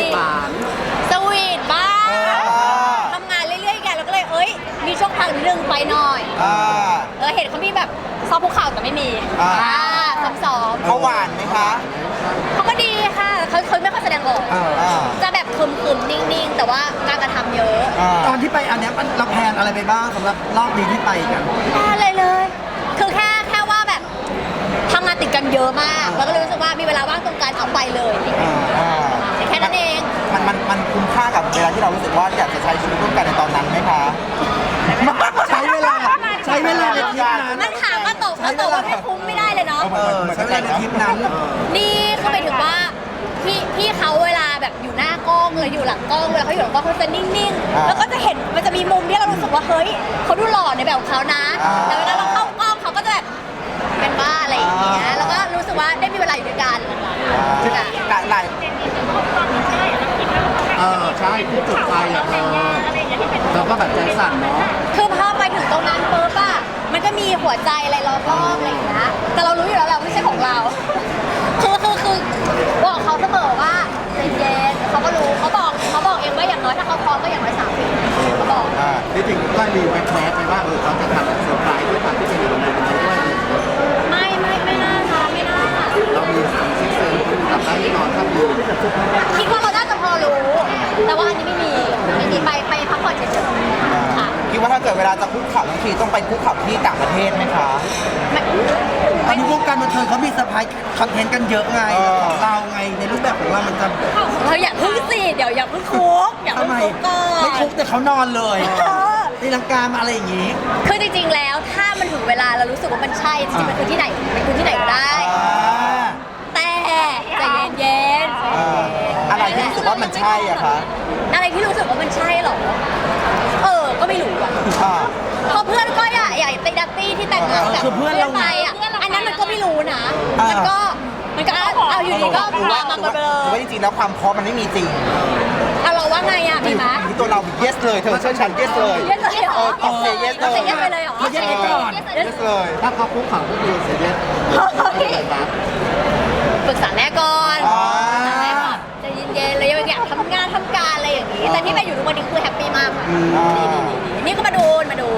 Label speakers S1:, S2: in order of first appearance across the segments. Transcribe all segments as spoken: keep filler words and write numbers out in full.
S1: หวาน
S2: สวีทบ้างทำงานเรื่อยๆกันแล้วก็เลยเอ้ยมีช่วงพักนิดนึงไปหน่อยเออเห็นเขามีแบบซอฟภูเขาแต่ไม่มีอ่าซ้อมๆ
S3: เขาหวานไหมคะ
S2: เขาก็ดีค่ะเขาเขาไม่ค่อยแสดงออกจะแบบคึมๆนิ่งๆแต่ว่าการกระทำเยอะ
S1: ตอนที่ไปอันเนี้ยมันเราแพลนอะไรไปบ้างสำหรับรอบนี้ที่ไปกัน
S2: อะไรเลย คือแค่แค่ว่าแบบทำงานติดกันเยอะมากแล้วก็เลยรู้สึกว่ามีเวลาว่างตรงกันเอาไปเลยแค่นั้นเอง
S3: มันมันมันคุ้มค่ากับเวลาที่เรารู้สึกว่าอยากจะใช้ชีวิตร่วมกันในตอนนั้นไหมคะ
S1: ใช้เวลาใช้เวลาในทริปนั้น
S2: มันถามก็ตกก็ตกว่าไม่คุ้มไม่ได้เลยเนาะ
S1: ใช้เวลาในทริปนั้น
S2: นี่ก็ไปถึงว่าพี่พี่เขาเวลาแบบอยู่หน้ากล้องเลยอยู่หลังกล้องเวลาเขาอยู่หลังกล้องเขาจะนิ่งๆแล้วก็จะเห็นมันจะมีมุมที่เรารู้สึกว่าเฮ้ยเขาดูหล่อในแบบของเขานะแต่เวลาเราเข้ากล้องเขาก็จะแบบเป็นบ้าอะไรอย่างเงี้ยแล้วก็รู้สึกว่าได้มีเวลาอยู่ด้วยกัน
S3: การหลาย
S1: เออใช่ที่จุดไฟอ่ะเธอเราก็แบบใจสั่นเนาะ
S2: คือพอไปถึงตรงนั้นปุ๊บอะมันก็มีหัวใจอะไรล้อมรอบอะไรอย่างเงี้ยแต่เรารู้อยู่แล้วแหละไม่ใช่ของเราคือคือคือบอกเขาเสมอว่าใจเย็นเขาก็รู้เขาบอกเขาบอกเองว่าอย่างน้อยถ้าเขาพร้อมก็อย่างน้อยสามปีเขาบอก
S1: ที่จริงก็มีแว๊บๆไปว่าเออเขาจะทำเซอร์ไพรส์ด้วยความที่เป็นอยู่ในนั้นด้วย
S2: ไม่ไม่ไม่น่าค่ะไม่น่า
S1: เรามีซิกเซนกลับได้แน่นอนถ้ามี
S2: คิดว่าเราน่าจะพอรู้แต่ว่าอันนี้ไม่มีไม่มีไปไปพักผ่อนเฉยๆค่ะ
S3: คิดว่าถ้าเกิดเวลาจะคุกเข่าบางทีต้องไปคุกเข่าที่ต่างประเทศไหมคะ
S1: ตอนนี้วงการบันเทิงเขามีเซอร์ไพรส์คอนเทนต์กันเยอะไงของเราไงในรูปแบบของเรามันจะ
S2: เราอย่าพึ่งสิเดี๋ยวอย่าพึ่งคุกอย่าพึ่งคุกก่อน
S1: ไม่คุกแต่เขานอนเลยตีลังกามาอะไรอย่างงี้
S2: คือจริงๆแล้วถ้ามันถึงเวลาเรารู้สึกว่ามันใช่จริงๆมันคือที่ไหนมันคือที่ไหนก็ได้แต่ใจเย็นๆ
S3: อะไรที่รู้สึกว่ามันใช่อะคะ
S2: อะไรที่รู้สึกว่ามันใช่หรอเออก็ไม่รู้อะเพราะเพื่อนก็อย่าอย่าตีดัตตี้ที่แต่งงานกับเพื่อนไปอะอันนั้นมันก็ไม่รู้นะมันก็มันก็เอาอยู่ดีก็มามาเบลอ
S3: ว่าจริงๆแล้วความพร้อมมันไม่มีจริง
S2: เอาเราว่าไงอะมีไหม
S3: ที่ตัวเรา yes เลยเธอเชื่อฉัน yes เลย
S2: yes เลยเหรอ
S3: เออ say yes เลย
S2: yes ไปเลยเหรอ
S1: yes ไปก่อน
S3: yes เลย
S1: ถ้าเขาคุกเข่าก็คือ say yes
S2: ปรึกษาแม่ก่อนใจเย็นๆเลยอยากทำงานทำการอะไรอย่างนี้แต่ที่ไปอยู่ทุกวันนี้คือแฮปปี้มากค่ะนี่ก็มาดูมาดู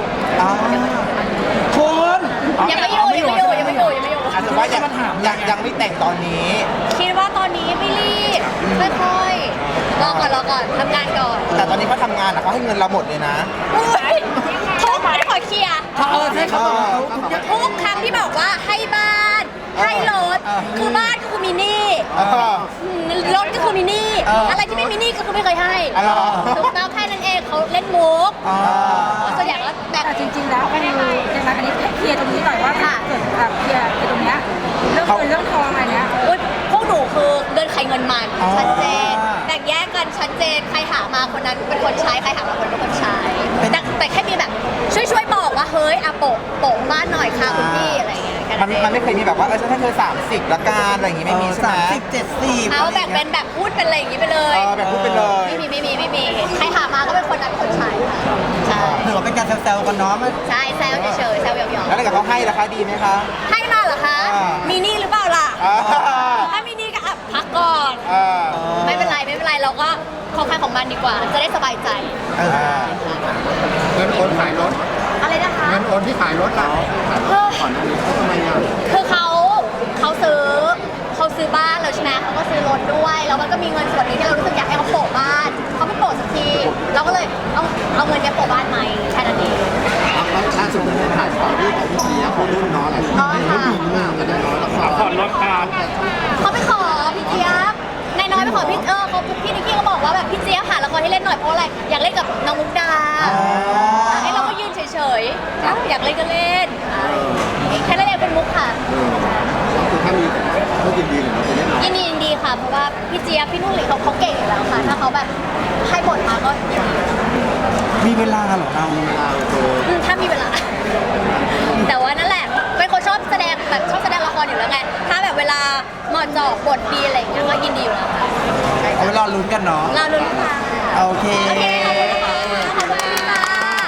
S1: คุณ
S2: ยังไม่อยู่ยังไม่อยู่ยังไม่อยู่ยังไม่อยู่
S3: อาจจะว่ายังยังยังไม่แต่งตอนนี้
S2: คิดว่าตอนนี้ไม่รีบค่อยๆรอก่อนรอก่อนทำงานก่อน
S3: แต่ตอนนี้เขาทำงานอ่ะเขาให้เงินเราหมดเลยนะ
S2: ทุกไม่ขอเคลียร์
S1: เออใช่เขา
S2: ทุกครั้งที่บอกว่าให้บ้านให้รถคือบ้านก็คือมินี่รถก็คือมินี่อะไรที่ไม่มินี่ก็คือไม่เคยให้ถูกต้องแค่นั้นเองเขาเล่นมุกส่วนใหญ่ก็แบบ
S4: จริงๆแล้วคือในการอันนี้เคลียร์ตรงนี้หน่อยว่าเกิดแบบเคลียร์ตรงเนี้ยเรื่องเงินเรื่องทองอะไรเนี้ย
S2: พวกหนูคือเงินใครเงินมันชัดเจนแบ่งแยกกันชัดเจนใครหามาคนนั้นเป็นคนใช้ใครหามาคนเป็นคนใช้แต่แต่แค่มีแบบช่วยช่วยบอกว่าเฮ้ยอะโปะโปะบ้านหน่อยค่ะคุณพี่อะไรเงี้ย
S3: มันมันไม่เคยมีแบบว่าเออฉันให้เธอสามสิบละกันอะไรอย่างงี้ไม่มีใช่ไหม
S1: สามสิบเจ็ดสิบ
S2: เอาแบ่งเป็นแบบพูดเป็นอะไรอย่างงี้ไปเลย
S3: เออแบบพูดไปเลย
S2: ไม่มีไม่มีไม่มีใครหามาก็เป็นคนนั้นคนใช้ค่ะใช่
S1: ถือว่าเป็นการแซวๆกันเนาะ
S2: ใช่แซวเฉยๆแซวหยอกๆ
S3: แล้วถ้าเกิดเขาให้ราคาดีไหมคะ
S2: ให้มาเหรอคะมีนี่หรือเปล่าล่ะถ้ามีนี่ก็อ่ะพักก่อนไม่เป็นไรไม่เป็นไรเราก็ของใครของมันดีกว่าจะได้สบายใจ
S1: เงินโอนขายรถ
S2: อะไรนะคะ
S1: เงินโอนที่ขายรถเราก่อนหน้านี้เขาทำไมอ่ะ
S2: คือเขาเขาซื้อเขาซื้อบ้านแล้วใช่ไหมเขาก็ซื้อรถด้วยแล้วมันก็มีเงินส่วนนี้ที่เรารู้สึกอยากให้เขาโปะบ้านเขาไม่โปะสักทีเราก็เลยเอาเอาเงินนี้โปะบ้านไหมแค่นั้นเอง
S1: ล่าสุดผมถ่ายข่าวที่ของพี่เจี๊ยบเขารุ่นน้องอะไรเขาดีมากเลยน้อยแล้วขอรถการ
S2: เขาไปขอพี่เจี๊ยบนายน้อยไปขอพี่เออเขาพี่นิกกี้ก็บอกว่าแบบพี่เจี๊ยบหาละครให้เล่นหน่อยเพราะอะไรอยากเล่นกับน้องมุกดาให้เราก็ยืนเฉยๆอยากเล่นก็เล่นแค่เล่นเป็นมุกค่ะ
S1: คือถ้ามีเขายินดีหรือเราจะเล่น
S2: ยินดียินดีค่ะเพราะว่าพี่เจี๊ยบพี่นุ่นหลิเขาเขาเก่งอยู่แล้วค่ะถ้าเขาแบบให้บทมาก็ยินดี
S1: มีเวลาเหรอเรา
S2: เวลาถ้ามีเวลาแต่ว่านั่นแหละเป็นคนชอบแสดงแบบชอบแสดงละครอยู่แล้วไงถ้าแบบเวลาเหมาะเจาะบทดีอะไรอย่างเงี้ยก็ยินดีอยู่แล้วค่ะ
S1: เอาไปรอลุ้นกันเนาะ
S2: รอลุ้นค่ะ
S1: โอเค
S2: โอเคขอบคุณค่ะขอบคุณค่ะ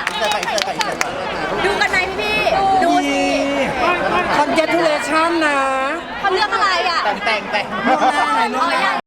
S2: ดูกันไหมพี่ๆดูสิ
S1: คอนเกตูเลชั่นนะ
S2: เขาเลือกอะไรอ่ะ
S3: แต่งแต่งแต่ง
S1: เรื่องหน้าไหนเรื่องห